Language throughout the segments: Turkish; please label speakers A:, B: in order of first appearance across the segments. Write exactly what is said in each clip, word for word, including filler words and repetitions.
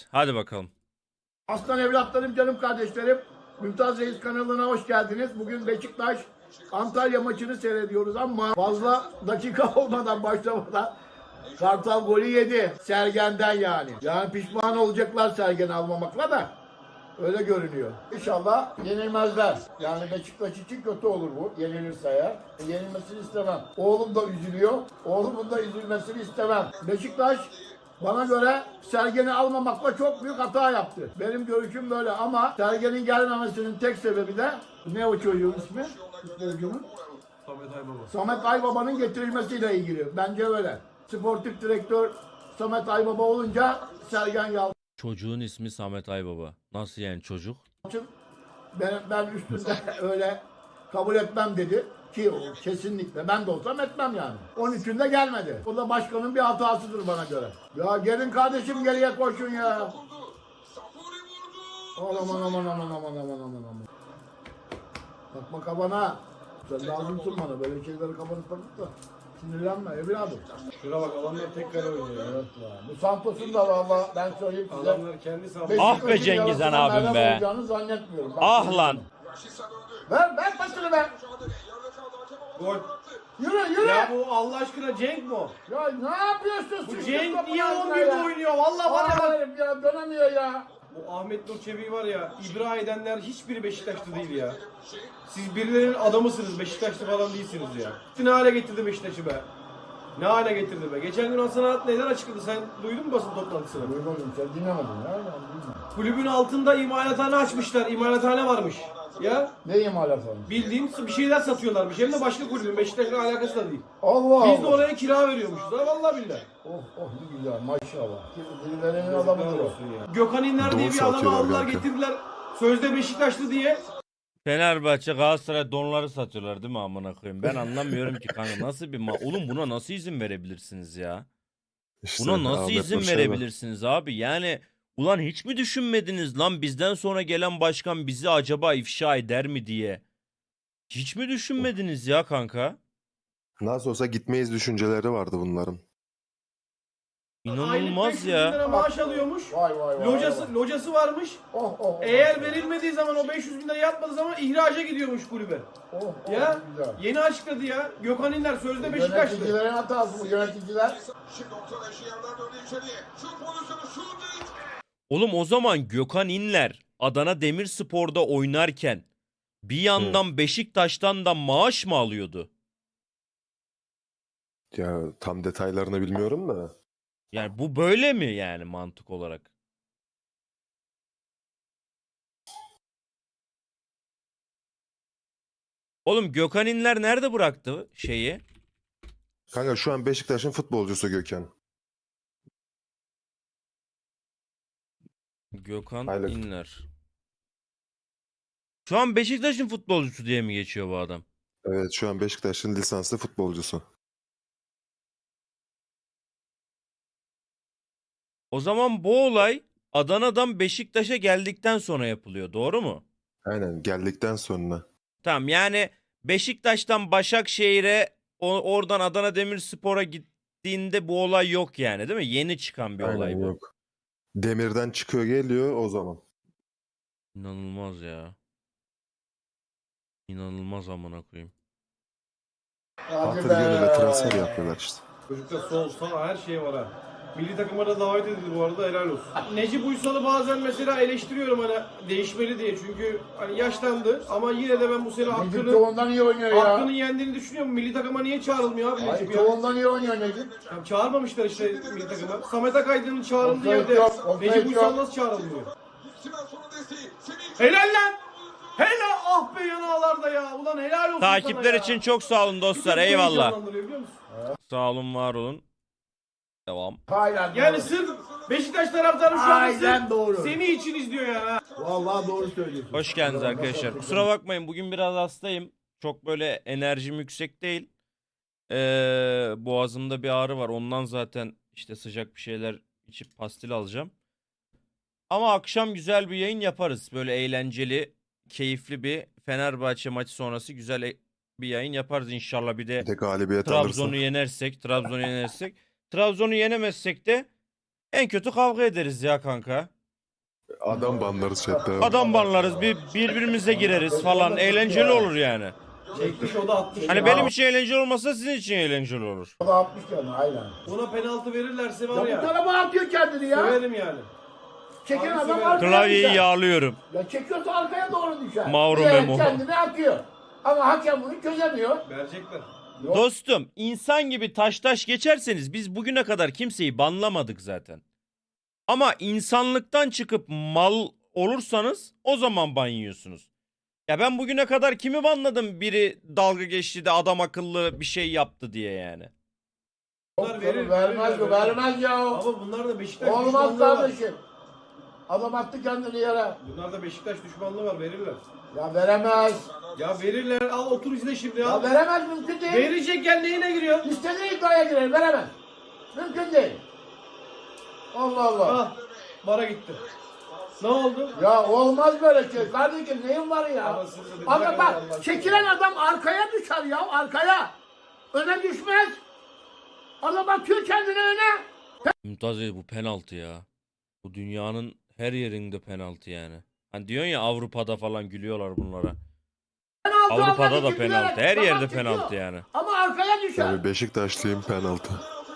A: Hadi bakalım.
B: Aslan evlatlarım, canım kardeşlerim. Mümtaz Reis kanalına hoş geldiniz. Bugün Beşiktaş Antalya maçını seyrediyoruz ama fazla dakika olmadan başlamadan Kartal golü yedi. Sergen'den yani. Yani pişman olacaklar Sergen almamakla da. Öyle görünüyor. İnşallah yenilmezler. Yani Beşiktaş için kötü olur bu. Yenilirse eğer. Yenilmesini istemem. Oğlum da üzülüyor. Oğlumun da üzülmesini istemem. Beşiktaş bana göre Sergen'i almamakla çok büyük hata yaptı. Benim görüşüm böyle ama Sergen'in gelmemesinin tek sebebi de ne o çocuğun ismi? Futbolcunun?
C: Samet Aybaba.
B: Samet Aybaba'nın getirilmesiyle ilgili. Bence öyle. Sportif direktör Samet Aybaba olunca Sergen Yalçın
A: Çocuğun ismi Samet Aybaba. Nasıl yani çocuk?
B: ben, ben üstünde öyle kabul etmem dedi. Ki o kesinlikle ben de olsam etmem yani. on üçünde gelmedi. O da başkanın bir hatasıdır bana göre. Ya gelin kardeşim geriye koşun ya. Aman aman aman aman aman aman aman aman. Takma kafana. Sen lazımsın bana böyle şeyleri kafanı takıp da sinirlenme evladım.
C: Şuna bak adamlar tek kale oynuyor ya.
B: Evet ya. Bu Santos'un da valla ben söyleyeyim size.
C: Adamlar kendi sahası.
A: Ah be Cengizhan abim be.
B: Olacağını zannetmiyorum. Bak,
A: Ah lan.
B: Ver ver pasını ver.
C: Gol.
B: Yürü yürü.
C: Ya
B: Ya,
C: bu Allah aşkına Cenk mi o?
B: ne yapıyorsun?
C: Bu
B: Sıçtın
C: Cenk
B: topun
C: niye
B: ağzına
C: on birde
B: ya.
C: oynuyor? Vallahi bana bak.
B: Hayır ya dönemiyor ya.
C: Bu Ahmet Nur Çebi'yi var ya, ibra edenler hiçbiri Beşiktaşlı değil ya. Siz birilerinin adamısınız, Beşiktaşlı falan değilsiniz ya. Ne hale getirdi Beşiktaş'ı be? Ne hale getirdi be? Geçen gün Hasan Arat neler açıkladı? Sen duydun mu basın toplantısını?
B: Duymadım sen dinlemedin ya. Ben duymadım.
C: Kulübün altında imalathane açmışlar. İmalathane varmış. Ya
B: Ne imalat olmuş?
C: bildiğin bir şeyler satıyorlarmış. Hem de başka kulübün. Beşiktaş'la alakası da değil.
B: Allah
C: Biz de
B: Allah.
C: oraya kira veriyormuşuz. Ha vallahi billahi.
B: Oh oh ne güzel maşallah. Birilerinin adamıdır o.
C: Gökhan İnler diye
D: Doğru
C: bir adamı
D: satıyorlar
C: aldılar
D: belki.
C: getirdiler. Sözde Beşiktaşlı diye.
A: Fenerbahçe Galatasaray donları satıyorlar değil mi amına koyayım? Ben anlamıyorum ki kanka nasıl bir ma oğlum buna nasıl izin verebilirsiniz ya?
D: İşte
A: Buna nasıl
D: Ahmet
A: izin
D: Nur Çebi.
A: verebilirsiniz abi? Yani ulan hiç mi düşünmediniz lan bizden sonra gelen başkan bizi acaba ifşa eder mi diye? Hiç mi düşünmediniz ya kanka?
D: Nasıl olsa gitmeyiz düşünceleri vardı bunların.
A: İnanılmaz
C: Aylık beş yüz bin
A: ya.
C: lira maaş alıyormuş.
B: Vay vay vay.
C: Locası,
B: vay.
C: locası varmış.
B: Oh oh. oh.
C: Eğer verilmediği zaman o beş yüz bin lira yatmadığı zaman ihraca gidiyormuş kulübe.
B: Oh, oh,
C: Ya
B: güzel.
C: yeni açıkladı ya. Gökhan İnler sözde Beşiktaşlı.
B: Yöneticilerin hatası bu yöneticiler.
A: Oğlum o zaman Gökhan İnler Adana Demirspor'da oynarken bir yandan Beşiktaş'tan da maaş mı alıyordu?
D: Ya tam detaylarını bilmiyorum da.
A: Yani bu böyle mi yani mantık olarak? Oğlum Gökhan İnler nerede bıraktı şeyi?
D: Kanka şu an Beşiktaş'ın futbolcusu Gökhan.
A: Gökhan
D: Aylık.
A: İnler. Şu an Beşiktaş'ın futbolcusu diye mi geçiyor bu adam?
D: Evet şu an Beşiktaş'ın lisanslı futbolcusu.
A: O zaman bu olay Adana'dan Beşiktaş'a geldikten sonra yapılıyor, doğru mu?
D: Aynen geldikten sonra.
A: Tamam yani Beşiktaş'tan Başakşehir'e o- oradan Adana Demirspor'a gittiğinde bu olay yok yani değil mi? Yeni çıkan bir olay
D: Aynen
A: bu.
D: yok. Demirden çıkıyor geliyor o zaman.
A: İnanılmaz ya. İnanılmaz amına koyayım.
B: Hadi
D: Hatır
B: be.
D: gönüle transfer yapıyorlar işte.
C: Çocukta sol sağ her şey var ha. Milli takıma da davet edildi bu arada, helal olsun. Necip Uysal'ı bazen mesela eleştiriyorum hani değişmeli diye, çünkü hani yaşlandı ama yine de ben bu sene
B: Necip
C: hakkını
B: çoğundan iyi oynuyor ya.
C: hakkını yendiğini düşünüyorum. Milli takıma niye çağrılmıyor abi
B: Hayır
C: Necip ya?
B: çoğundan iyi oynuyor Necip.
C: Ya çağırmamışlar işte milli takıma. Samet Akaydın'ın çağrıldığı
B: Offside
C: yerde
B: yok, offside
C: Necip Uysal
B: yok.
C: nasıl çağrılmıyor? Helal lan! Helal, ah be yanağlarda ya. Ulan helal olsun sana
A: Takipler
C: ya.
A: için çok sağ olun dostlar.
C: Bir tek bu
A: Eyvallah.
C: heyecanlandırıyor, biliyor musun?
A: Sağ olun, var olun. Devam.
B: Aynen
C: Yani
B: doğru.
C: sırf Beşiktaş taraftarı şu anda
B: Aynen
C: sırf
B: doğru.
C: Semih için izliyor ya.
B: Vallahi doğru söylüyorsun.
A: Hoş geldiniz
B: Vallahi
A: arkadaşlar.
B: çok
A: Kusura bakmayın bugün biraz hastayım. Çok böyle enerjim yüksek değil. Ee, boğazımda bir ağrı var. Ondan zaten işte sıcak bir şeyler içip pastil alacağım. Ama akşam güzel bir yayın yaparız. Böyle eğlenceli, keyifli bir Fenerbahçe maçı sonrası güzel e- bir yayın yaparız inşallah. Bir de
D: Bir de galibiyet
A: Trabzon'u
D: alırsa.
A: yenersek, Trabzon'u yenersek. Trabzon'u yenemezsek de en kötü kavga ederiz ya kanka.
D: Adam banlarız chatte.
A: Adam banlarız, bir birbirimize gireriz falan. Eğlenceli olur yani.
C: Çekmiş o da atmış.
A: Hani
C: ya.
A: benim için eğlenceli olmasa sizin için eğlenceli olur.
B: O da atmış yani aynen.
C: Buna penaltı verirlerse
B: Ya
C: var
B: bu
C: ya.
B: tarafa atıyor kendini ya.
C: Söverim yani.
B: Çeken
C: Abi
B: adam
C: severim.
B: arkaya
A: Klavyeyi
B: düşer.
A: yağlıyorum.
B: Ya çekiyorsa arkaya doğru düşer.
A: Mauro
B: Bilerek
A: Memo.
B: kendini atıyor. Ama hakem bunu çözemiyor.
C: Verecekler.
B: Yok.
A: Dostum, insan gibi taş taş geçerseniz biz bugüne kadar kimseyi banlamadık zaten. Ama insanlıktan çıkıp mal olursanız o zaman ban yiyorsunuz. Ya ben bugüne kadar kimi banladım, biri dalga geçti de adam akıllı bir şey yaptı diye yani.
C: Bunlar verir,
B: vermez
C: verirler,
B: bu, vermez ya o.
C: Ama bunlar da Beşiktaş
B: Olmaz
C: düşmanlığı var.
B: kardeşim. Adam attı kendini yere.
C: Bunlar da Beşiktaş düşmanlığı var, verirler.
B: Ya veremez.
C: Ya verirler, al otur izle şimdi
B: Ya
C: ya.
B: veremez, mümkün değil.
C: Verecekken neyine giriyor?
B: İstediği iddiaya girer, veremez. Mümkün değil. Allah Allah.
C: Ah, bara gitti. Ne oldu?
B: Ya olmaz böyle şey. Kardeşim neyin var ya?
C: Anasını satayım,
B: Ama
C: bırak
B: bak
C: Allah
B: çekilen adam arkaya düşer ya, arkaya. Öne düşmez. Adam atıyor kendini öne.
A: Mümtaz Bey, bu penaltı ya. Bu dünyanın her yerinde penaltı yani. Hani diyorsun ya, Avrupa'da falan gülüyorlar bunlara.
B: Penaltı
A: Avrupa'da
B: almak
A: da
B: için
A: penaltı.
B: bilerek
A: Her
B: kafa
A: yerde
B: çekiyor.
A: penaltı yani.
B: Ama arkaya düşer.
D: Abi Beşiktaşlıyım penaltı.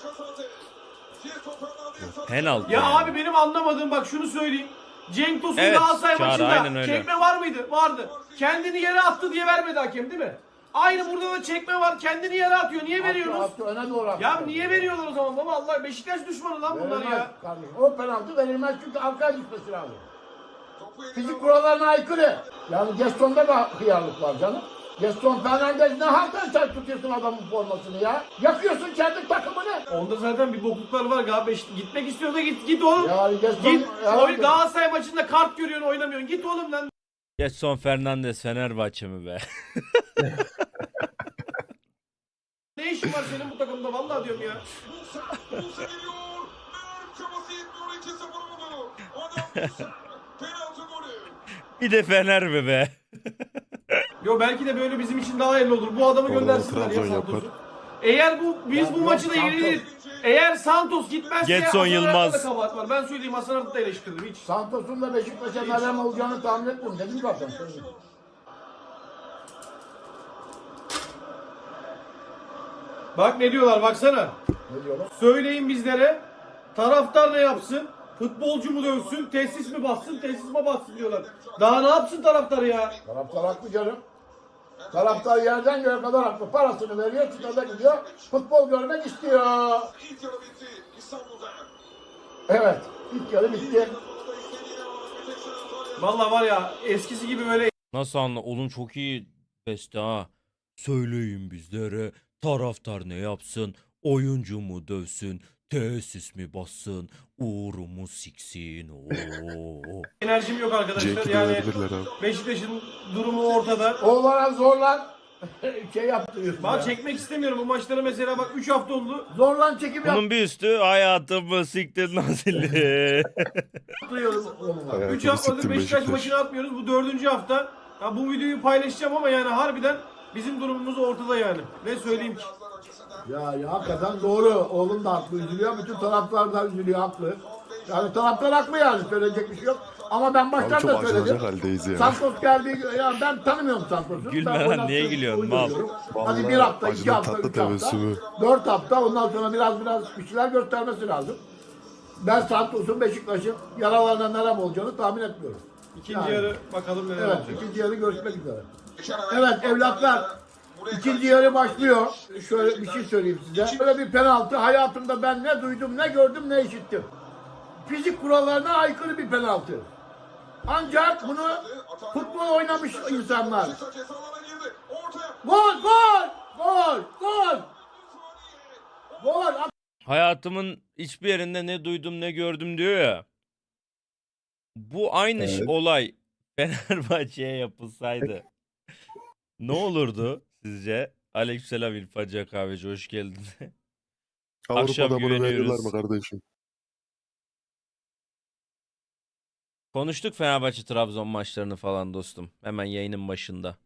A: Penaltı
C: Ya
A: yani.
C: abi benim anlamadığım bak şunu söyleyeyim. Cenk Tosun
A: Evet,
C: Galatasaray
A: Çağrı, aynen
C: maçında
A: öyle.
C: çekme var mıydı? Vardı. Kendini yere attı diye vermedi hakem değil mi? Aynı burada da çekme var. Kendini yere atıyor. Niye veriyorsunuz?
B: Attı, attı, öne doğru atıyor.
C: Ya niye veriyorlar o zaman baba? Allah Beşiktaş düşmanı lan bunlar
B: Verilmez
C: ya.
B: kardeşim. O penaltı verilmez çünkü arkaya düşmesi lazım. Fizik kurallarına aykırı. Yani Gaston'da da hıyarlık var canım. Gaston Fernandez ne halden sen tutuyorsun adamın formasını ya? Yakıyorsun kendi takımını.
C: Onda zaten bir bokluklar var galiba. Beş- Gitmek istiyor da git git oğlum.
B: Yani Gaston...
C: Git.
B: Ya-
C: Oy, Galatasaray maçında kart görüyorsun oynamıyorsun. Git oğlum lan.
A: Getson Fernandes Fenerbahçe mi be?
C: Ne işin var senin bu takımda vallahi diyorum ya.
A: Bir de Fener mi be?
C: Yo belki de böyle bizim için daha hayırlı olur. Bu adamı
D: Vallahi
C: göndersinler ya
D: Trabzon
C: Santos'u.
D: yapar.
C: Eğer bu biz
B: Ya
C: bu
B: yok,
C: maçı da
B: Santos.
C: yeniliriz. Eğer Santos gitmezse
A: Getson
C: Hasan Arat'ta
A: Yılmaz.
C: da kabahat var. Ben söyleyeyim Hasan Arat'ı da eleştirdim hiç.
B: Santos'un da Beşiktaş'a merhem olacağını tahmin etmiyorum. Dedim zaten.
C: Bak ne diyorlar baksana.
B: Ne diyorlar?
C: Söyleyin bizlere. Taraftar ne yapsın? Futbolcu mu dövsün? Tesis mi bassın? Tesis mi bassın diyorlar. Daha ne yapsın taraftar ya?
B: Taraftar haklı canım. Taraftar yerden göğe kadar haklı. Parasını veriyor, stada gidiyor. Futbol görmek istiyor. Evet. İlk yarı bitti.
C: Vallahi var ya eskisi gibi böyle
A: Nasıl anla? Oğlum çok iyi beste ha. Söyleyin bizlere, taraftar ne yapsın? Oyuncu mu dövsün? Tesis mi bassın? Uğrumu siksin? Oo.
C: enerjim yok arkadaşlar.
D: Cenk'i
C: Yani
D: dövebilirler abi.
C: Beşiktaş'ın durumu ortada.
B: Oğlana zorlan şey yaptırıyorsun
C: Bak
B: ya.
C: çekmek istemiyorum bu maçları mesela bak üç hafta oldu.
B: Zorlan çekim
A: Bunun bir üstü hayatımı siktir nazilli.
B: yaptırıyorum oğluma.
D: Hayatımı
C: üç haftadır
D: siktim
C: Beşiktaş
D: Beşiktaş.
C: maçını atmıyoruz. Bu dördüncü hafta. Ya bu videoyu paylaşacağım ama yani harbiden bizim durumumuz ortada yani. Ne söyleyeyim ki?
B: Ya, ya hakikaten doğru. Oğlum da haklı, üzülüyor. Bütün taraftar da üzülüyor, haklı. Yani taraftar haklı yani. Söyleyecek bir şey yok. Ama ben
D: Abi
B: baştan
D: çok
B: da
D: acınacak
B: söyledim.
D: haldeyiz ya.
B: Santos geldi. Ya ben tanımıyorum Santos'u.
A: Gülme
B: Ben
A: lan,
B: oynattığım
A: niye gülüyorsun,
B: oyunu
A: mal?
B: görüyorum. Hadi
D: Vallahi
B: bir hafta, iki
D: acının
B: hafta,
D: tatlı
B: üç hafta.
D: tebessümü.
B: Dört hafta. Ondan sonra biraz biraz bir şeyler göstermesi lazım. Ben Santos'un Beşiktaş'ın yaralarına nerem olacağını tahmin etmiyorum.
C: İkinci
B: Yani.
C: yarı bakalım neler
B: Evet,
C: olacak.
B: ikinci yarı görüşmek üzere. Evet evlatlar, ikinci yarı başlıyor. Şöyle bir şey söyleyeyim size. Böyle bir penaltı hayatımda ben ne duydum, ne gördüm, ne işittim. Fizik kurallarına aykırı bir penaltı. Ancak bunu futbol oynamış insanlar. Gol, gol, gol, gol. Gol.
A: Hayatımın hiçbir yerinde ne duydum ne gördüm diyor ya. Bu aynı ş-
D: Evet.
A: olay Fenerbahçe'ye yapılsaydı ne olurdu sizce? Aleykümselam İlfacı Kahveci, hoş geldin. Akşam
D: Avrupa'da bunu verirler
A: güveniyoruz.
D: mi kardeşim?
A: Konuştuk Fenerbahçe Trabzon maçlarını falan dostum. Hemen yayının başında.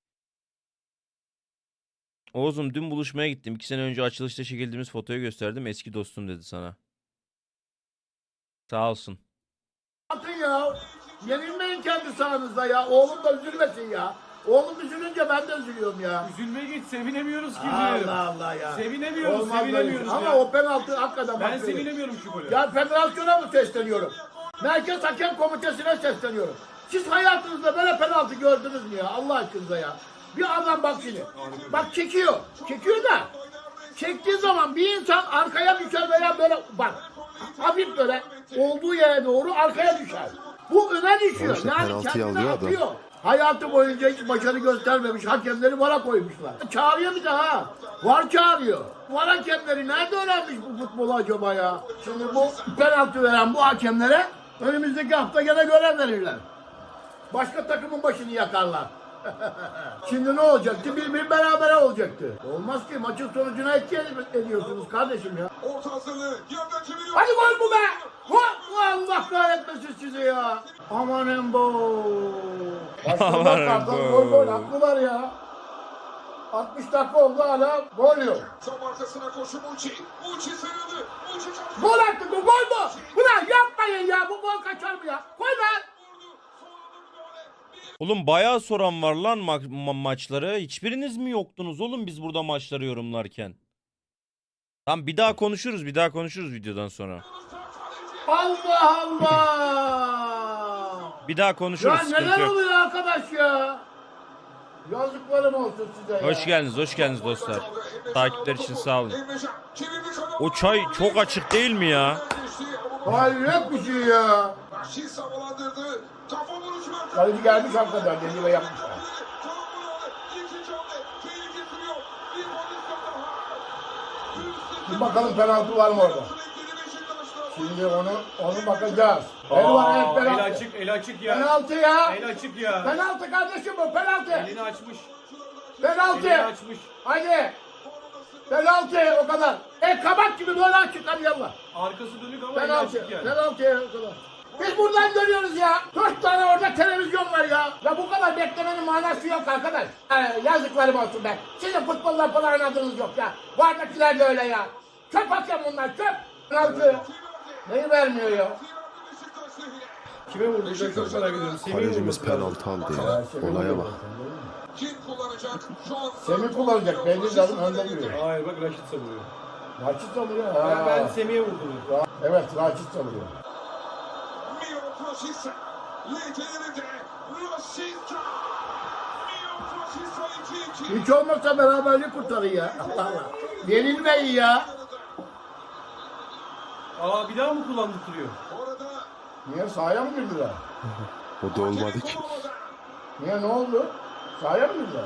A: Oğuz'um dün buluşmaya gittim. İki sene önce açılışta çekildiğimiz fotoyu gösterdim. Eski dostum dedi sana. Sağ olsun.
B: Atın ya. Yenilmeyin kendi sahanızda ya. Oğlum da üzülmesin ya. Oğlum üzülünce ben de üzülüyorum ya.
C: Üzülme git, sevinemiyoruz ki.
B: Allah Allah ya.
C: Sevinemiyoruz,
B: Olmaz böyle
C: sevinemiyoruz
B: şey.
C: ya.
B: Ama o penaltı hakikaten
C: Ben
B: bak böyle.
C: sevinemiyorum şu golü.
B: Ya federasyona mı sesleniyorum? Merkez Hakem Komitesi'ne sesleniyorum. Siz hayatınızda böyle penaltı gördünüz mü ya? Allah aşkınıza ya. Bir adam bak şimdi. Bak çekiyor. Çekiyor da. Çektiği zaman bir insan arkaya düşer veya böyle bak. Hafif böyle olduğu yere doğru arkaya düşer. Bu öne düşüyor.
D: işte
B: Yani
D: penaltıyı
B: kendini
D: alıyor adam.
B: atıyor. Hayatı boyunca hiç başarı göstermemiş hakemleri vara koymuşlar. Çağırıyor bir daha. Var çağırıyor. Var hakemleri nerede öğrenmiş bu futbolu acaba ya? Şimdi bu penaltı veren bu hakemlere önümüzdeki hafta gene görev verirler. Başka takımın başını yakarlar. Şimdi ne olacaktı? Bir bir berabere olacaktı. Olmaz ki maçın sonucuna etki ediyorsunuz kardeşim ya.
E: Orta hazırlığı yerden çeviriyor.
B: Hadi gol bu be! Gol! Allah kahretmesin sizi ya! Amanın bu! Başlıyorlar
A: Amanın
B: kartal
A: bu!
B: gol gol haklılar ya. altmış dakika oldu hala gol yok.
E: Tam arkasına koşu Muçi. Muçi sarıldı. Muçi çarptı.
B: Gol attı bu gol bu! Ulan yapmayın ya bu gol kaçar mı ya? Koy lan!
A: Oğlum bayağı soran var lan ma- ma- maçları. Hiçbiriniz mi yoktunuz oğlum biz burada maçları yorumlarken? Tamam bir daha konuşuruz bir daha konuşuruz videodan sonra.
B: Allah Allah!
A: Bir daha konuşuruz
B: Ya
A: sıkıntı
B: neler
A: yok.
B: oluyor arkadaş ya? Yazıklarım olsun size ya.
A: Hoş geldiniz hoş geldiniz dostlar. Takipler için sağ olun.
E: Emrecan çevirdi kanal.
A: O çay çok açık değil mi ya?
B: Hayret bir şey ya.
E: Vahşi havalandırdı. Kafa vuruşu var.
B: Kaleci gelmiş hakikaten dedi ve yapmışlar.
E: İkinci hamle. Tehlike sürüyor. Bir pozisyon daha.
B: Bir bakalım penaltı var mı orada? Şimdi onu onu bakacağız. El var evet
C: Aa, el
B: penaltı.
C: açık, el açık ya.
B: Penaltı ya.
C: El açık ya.
B: Penaltı kardeşim bu penaltı.
C: Elini açmış. Elini
B: Penaltı.
C: açmış.
B: Hadi. Penaltı o kadar. E kabak gibi böyle açık hadi yallah.
C: Arkası dönük ama eli
B: Penaltı.
C: açık yani.
B: Penaltı o kadar. Biz buradan görüyoruz ya. Dört tane orada televizyon var ya. Ya bu kadar beklemenin manası yok arkadaş. Ee, yazıklarım olsun be. Sizin futbolla falan oynadığınız yok ya. Vardakiler de öyle ya. Çöp hakem bunlar çöp. Penaltı. Neyi vermiyor ya?
C: Kime vurdu? Çok merak ediyorum. Semih'e
D: Kalecimiz
C: vurması lazım.
D: penaltı aldı ya. Olaya bak.
E: Kim kullanacak? Şu an
B: Semih kullanacak. Belli zaten önde duruyor.
C: Hayır bak Raşit savuruyor.
B: Raçit savuruyor.
C: Ben,
B: Ha.
C: ben Semih'e vurdum.
B: Ra- Evet Raçit savuruyor.
E: Mio Prosisa. Lece yerinde. Prosisa. Mio Prosisa iki iki.
B: Hiç olmazsa beraberlik kurtarın ya. Allah Allah. Yenilmeyin ya.
C: Aa bir daha mı kullandırtıyor?
E: Orada
B: Niye sahaya mı girdiler?
D: O da olmadı ki.
B: Niye ne oldu? Sahaya mı girdiler?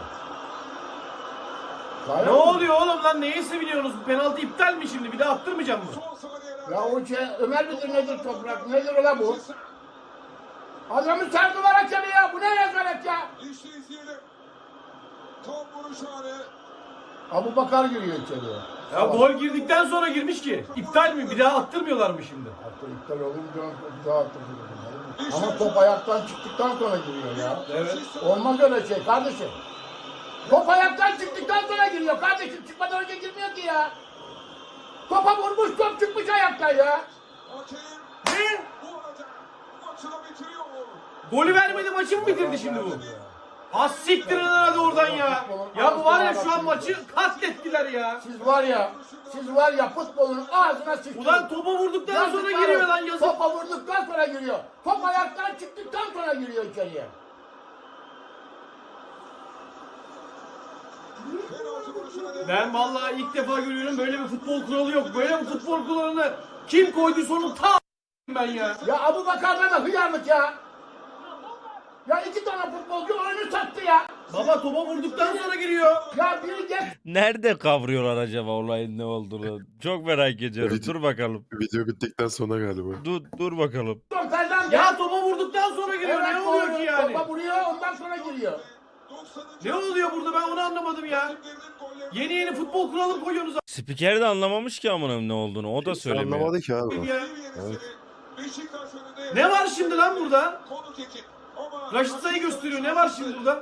B: Sahaya
C: Ne
B: mı?
C: oluyor oğlum lan? Neye seviniyorsunuz? Bu penaltı iptal mi şimdi? Bir daha attırmayacağım mı?
E: son saniyeler.
B: Ya o şey Ömer midir nedir toprak nedir ola bu? Adamı sardılar hakemi ya. Bu ne rezalet ya?
E: İşte izleyelim. Tam vuruş anı.
B: Abu Bakar giriyor içeriye.
C: Ya gol girdikten sonra girmiş ki. İptal mi? Bir daha attırmıyorlar mı şimdi?
B: Hatta iptal olunca bir daha attırıyor. Ama top ayaktan çıktıktan sonra giriyor ya.
C: Evet.
B: Olmaz öyle şey kardeşim. Top ayaktan çıktıktan sonra giriyor kardeşim. Çıkmadan önce girmiyor ki ya. Topa vurmuş top çıkmış ayaktan ya.
E: Hakem
C: Ne?
E: bu arada maçını bitiriyor.
C: Golü vermedi maçı mı bitirdi şimdi bu? Az siktirin hadi oradan ya. Ya bu var ya şu an maçı katlettiler ya.
B: Siz var ya, siz var ya futbolun ağzına sıçtınız.
C: Ulan topa vurduktan sonra
B: Yazıklar
C: giriyor
B: olsun.
C: lan yazık.
B: Topa vurduktan sonra giriyor. Top ayaktan çıktıktan sonra giriyor içeriye.
E: Penaltı vuruşuna devam.
C: Ben vallahi ilk defa görüyorum böyle bir futbol kuralı yok. Böyle bir futbol kuralını kim koyduysa onu ta ben ya.
B: Ya Abu Bakar'da da hıyarlık ya. Ya iki tane futbolcu oyunu sattı ya.
C: Baba topa vurduktan sonra giriyor.
B: Ya biri geç.
A: Nerede kavruyorlar acaba olayın ne olduğunu? Çok merak ediyorum.
D: Video-
A: Dur bakalım.
D: Video bittikten sonra galiba.
A: Dur dur bakalım.
B: Ferdan
C: Ya topa vurduktan sonra giriyor.
B: Evet,
C: Ne oluyor
B: doğru.
C: ki yani?
B: Topa vuruyor ondan sonra giriyor.
C: Ne oluyor burada ben onu anlamadım ya. Yeni yeni futbol kuralı koyuyorsunuz
A: Spiker de anlamamış ki amına ne olduğunu. O da söylemiyor.
D: Anlamadı ki abi.
C: abi ya.
D: Evet.
E: Beşiktaş önünde.
C: Ne var şimdi lan burada?
E: Konuk ekip. Ama
C: Raşit Say'ı gösteriyor. Ne var şimdi burada?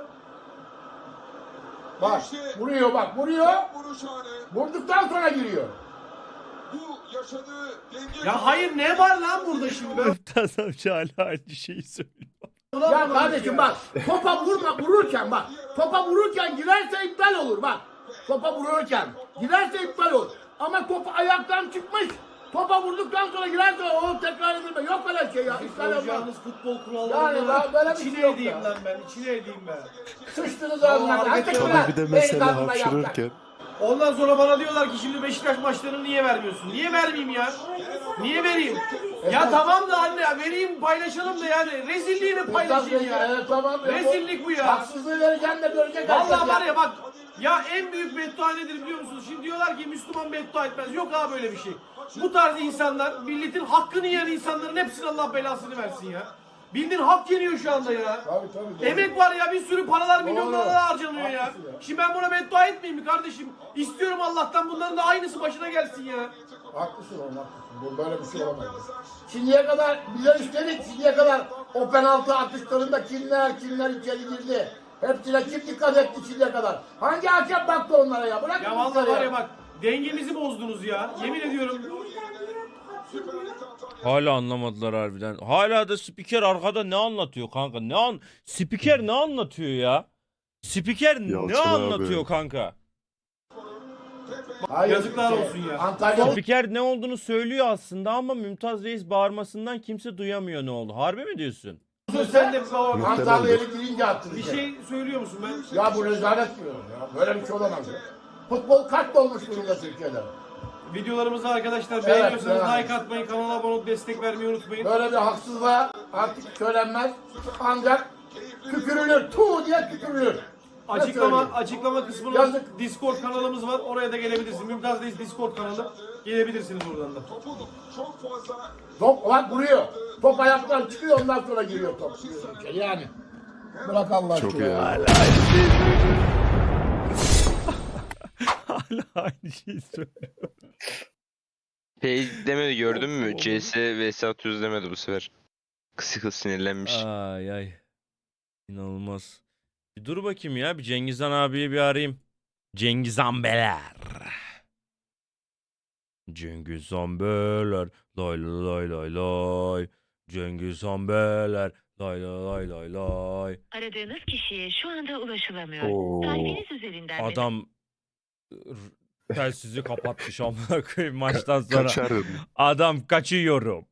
B: Bak vuruyor bak vuruyor.
E: vuruş anı.
B: Vurduktan sonra giriyor.
E: Bu yaşadığı denge...
C: Ya hayır ne var lan burada şimdi? Ben
A: Mümtaz amca hala aynı şeyi söylüyor.
B: Ya kardeşim bak topa vurma vururken bak topa vururken girerse iptal olur bak. Topa vururken girerse iptal olur. Ama top ayaktan çıkmış. Topa vurduktan sonra girerse o tekrar edilme. Yok öyle şey ya. İptal olmaz.
C: Yalnız futbol
B: Yani
C: kurallarını
B: daha böyle bir şey
C: içine
B: yok
C: edeyim
B: ya.
C: lan ben, içine edeyim ben.
B: Sıçtınız önüne.
C: hareket yok.
D: Ama bir de mesela hapşırırken
C: Ondan sonra bana diyorlar ki şimdi Beşiktaş maçlarını niye vermiyorsun? Niye vermeyeyim ya? Niye vereyim? Ya tamam da anne ya vereyim paylaşalım da yani rezilliğini paylaşayım ya.
B: Evet tamam. ya.
C: Rezillik bu ya.
B: Haksızlığı vereceksin de görecek herkes
C: Vallahi var ya bak ya en büyük beddua nedir biliyor musunuz? Şimdi diyorlar ki Müslüman beddua etmez. Yok abi böyle bir şey. Bu tarz insanlar milletin hakkını yiyen insanların hepsine Allah belasını versin ya. Bildiğin hak yeniyor şu anda ya.
B: Tabii tabii. doğru.
C: Emek var ya bir sürü paralar milyon
B: Doğru.
C: dolarlar harcanıyor ya.
B: Haklısın ya.
C: Şimdi ben buna beddua etmeyeyim mi kardeşim? İstiyorum Allah'tan bunların da aynısı başına gelsin ya.
B: Haklısın oğlum haklısın. Bu böyle bir şey olamaz. Şimdiye kadar bize üstelik şimdiye kadar o penaltı atışlarında kimler kimler içeri girdi. Hepsine kim dikkat etti şimdiye kadar. Hangi hakem baktı onlara ya? Bırak
C: Ya vallahi var ya bak dengemizi bozdunuz ya. Yemin ediyorum.
A: Hala anlamadılar harbiden. Hala da spiker arkada ne anlatıyor kanka? Ne an spiker ne anlatıyor ya? Spiker ne
D: Yalçın abi.
A: anlatıyor kanka?
B: Hayır,
C: Yazıklar
B: şey,
C: olsun ya.
B: Antalya
A: Spiker ne olduğunu söylüyor aslında ama Mümtaz Reis bağırmasından kimse duyamıyor ne oldu. Harbi mi diyorsun?
C: Sen de baba
B: Antalya'ya girince attı.
C: bir şey söylüyor musun ben?
B: Ya bu rezalet diyorum ya. Böyle bir şey olamaz ya. Futbol kaç olmuş durumda Türkiye'de.
C: Videolarımızı arkadaşlar
B: Evet,
C: beğeniyorsanız
B: evet.
C: like atmayı, kanala abone olup destek vermeyi unutmayın.
B: Böyle bir haksızlığa artık söylenmez. Ancak tükürülür. Tuğ diye tükürülür. Ne
C: Açıklama
B: söyleyeyim?
C: açıklama kısmında
B: Yazık.
C: Discord kanalımız var. Oraya da gelebilirsin. Mümtaz Reis Discord kanalı. Gelebilirsiniz oradan da.
E: Çok fazla
B: Top bak vuruyor. Top ayaktan çıkıyor ondan sonra giriyor top. Yani. Bırak Allah
D: çok
B: aşkına
D: iyi.
B: ya.
D: abi.
A: Hala aynı şeyi söylüyor.
F: Şey demedi gördün mü? C S vs atıyoruz demedi bu sefer. Kısı kısı sinirlenmiş.
A: Ay ay. İnanılmaz. Bir dur bakayım ya. Bir Cengizhan abiyi bir arayayım. Cengizhan Beler. Cengizhan Beler. Lay lay lay lay. Cengiz Han Beler. Lay lay lay lay.
G: Aradığınız kişiye şu anda ulaşılamıyor.
D: Oo.
G: Tarifiniz üzerinden
A: Adam r- telsizi kapatmış amına koyayım maçtan sonra.
D: Kaçarım.
A: Adam kaçıyorum.